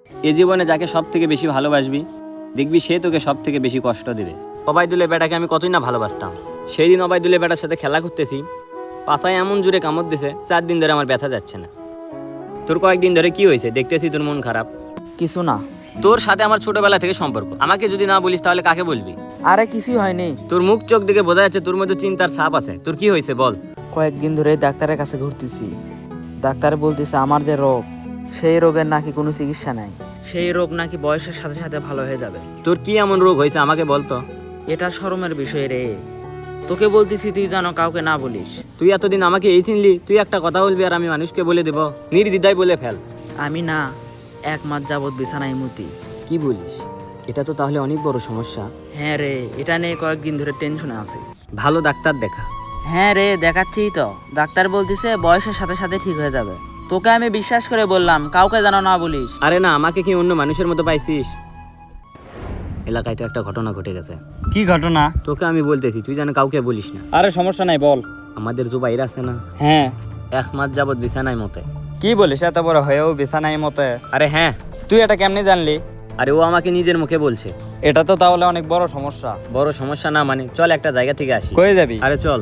এ জীবনে যাকে সব থেকে বেশি ভালোবাসবি দেখবি সে তোকে সব থেকে বেশি কষ্ট দেবে। অবাইদুলের বেটাকে আমি কতই না ভালোবাসতাম। সেই দিন অবাইদুলের বেটার সাথে খেলা করতেছি, পাছায় এমন জোরে কামড় দিছে 4 দিন ধরে আমার ব্যথা যাচ্ছে না। তোর কয়েকদিন ধরে কি হয়েছে? দেখতেছি তোর মন খারাপ। কিছু না। তোর সাথে আমার ছোটবেলা থেকে সম্পর্ক, আমাকে যদি না বলিস তাহলে কাকে বলবি? আরে কিছুই হয়নি। তোর মুখ চোখ দেখে বোঝা যাচ্ছে তোর মধ্যে চিন্তার ছাপ আছে। তোর কি হয়েছে বল? কয়েকদিন ধরে ডাক্তারের কাছে ঘুরতেছি। ডাক্তার বলতেছে আমার যে রোগ, সেই রোগের নাকি কোনো চিকিৎসা নাই। সেই রোগ নাকি বয়সের সাথে সাথে ভালো হয়ে যাবে। তোর কি এমন রোগ হয়েছে আমাকে বলতো? এটা শরমের বিষয় রে। তোকে বলতেছি তুই জানো, কাউকে না বলিস। তুই এতদিন আমাকে এই চিনলি, তুই একটা কথা বলবি আর আমি মানুষকে বলে দেব? নির্দ্বিধায় বলে ফেল। আমি না 1 মাস যাবৎ বিছানায় মুতি। কি বলিস? এটা তো তাহলে অনেক বড় সমস্যা। হ্যাঁ রে, এটা নিয়ে কয়েকদিন ধরে টেনশনে আছি। ভালো ডাক্তার দেখা। হ্যাঁ রে, দেখাচ্ছিই তো। ডাক্তার বলতেছে বয়সের সাথে সাথে ঠিক হয়ে যাবে। তোকে আমি বিশ্বাস করে বললাম কাউকে যেন না বলিস। আরে না, আমাকে কি অন্য মানুষের মতো পাইছিস? এলাকায় তো একটা ঘটনা ঘটে গেছে। কি ঘটনা? তোকে আমি বলতেছি, তুই যেন কাউকে বলিস না। আরে সমস্যা নাই, বল। আমাদের জুবাইর আছে না, হ্যাঁ। 1 মাস যাবত বিছানায় মতে। কি বলিস? এত বড় হয়েও বিছানায় মতে? আরে হ্যাঁ। তুই এটা কেমনে জানলি? আরে ও আমাকে নিজের মুখে বলছে। এটা তো তাহলে অনেক বড় সমস্যা। বড় সমস্যা না মানে, চল একটা জায়গা থেকে আসি। কই যাবি? আরে চল।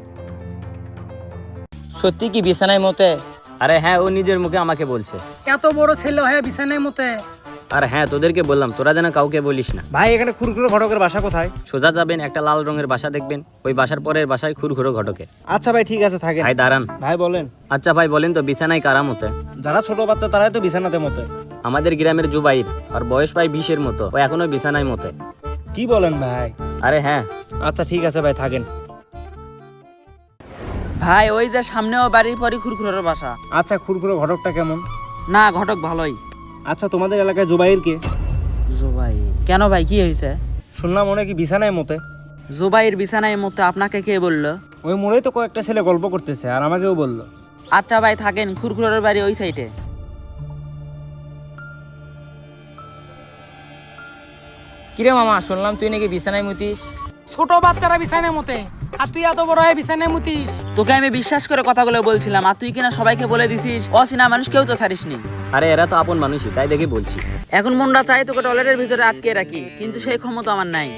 সত্যি কি বিছানায় মতে? আরে হ্যাঁ, ও নিজের মুখে আমাকে বলছে। এত বড় ছেলে হয়ে বিছানায় মতে? আর হ্যাঁ, তোদেরকে বললাম তোরা যেন কাউকে বলিস না। ভাই এখানে খুরখুরো ঘটকের বাসা কোথায়? সোজা যাবেন, একটা লাল রঙের বাসা দেখবেন, ওই বাসার পরের বাসায় খুরখুরো ঘটকে। আচ্ছা ভাই ঠিক আছে, থাকেন। ভাই দাঁড়ান। ভাই বলেন। আচ্ছা ভাই বলেন তো, বিছানায় কারা মতে? যারা ছোট বাচ্চা তারাই তো বিছানাতে মতে। আমাদের গ্রামের জুবাইর, আর বয়স প্রায় 20-এর মতো, ও এখনো বিছানায় মতে। কি বলেন ভাই? আরে হ্যাঁ। আচ্ছা ঠিক আছে ভাই, থাকেন। ভাই ওই যে সামনেও বাড়ির পরই খুরখুরের বাসা। আচ্ছা খুরখুরো ঘটকটা কেমন? না, ঘটক ভালোই। আচ্ছা তোমাদের এলাকায় জুবাইর কে? জুবাই? কেন ভাই, কি হয়েছে? শুনলাম মনে কি বিছানায় মতে। জুবাইর বিছানায় মতে আপনাকে কে বললো? ওই মোড়েই তো কয়েকটা ছেলে গল্প করতেছে আর আমাকেও বললো। আচ্ছা ভাই থাকেন, খুরখুরের বাড়ি ওই সাইডে। কিরে মামা, শুনলাম তুই নাকি বিছানায় মুতিস? ছোট বাচ্চারা বিছানায় মতে, আর তুই এত বড় হয়ে বিছানায় মুতিস? তোকে আমি বিশ্বাস করে কথাগুলো বলছিলাম, আর তুই কিনা সবাইকে বলে দিছিস। অচেনা মানুষ কেউ তো ছাড়িসনি। আরে এরা তো আপন মানুষই, তাই দেখে বলছি। এখন মনটা চাই তোকে টয়লেটের ভিতরে আটকে রাখি, কিন্তু সেই ক্ষমতা আমার নাই।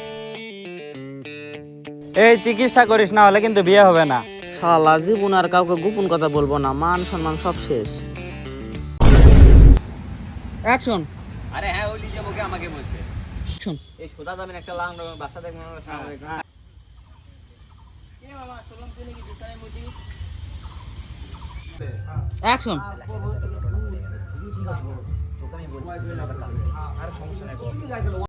এই চিকিৎসা করিস, না হলে কিন্তু বিয়ে হবে না। শালা জীবন আর কাউকে গোপন কথা বলবো না, মান সম্মান সব শেষ। অ্যাকশন। আরে হ্যাঁ, ও নিজের মুখে আমাকে বলছে। অ্যাকশন। এই সোজা যাবেন, একটা লাল রঙের বাসা দেখবেন, ওর সামনে। অ্যাকশন।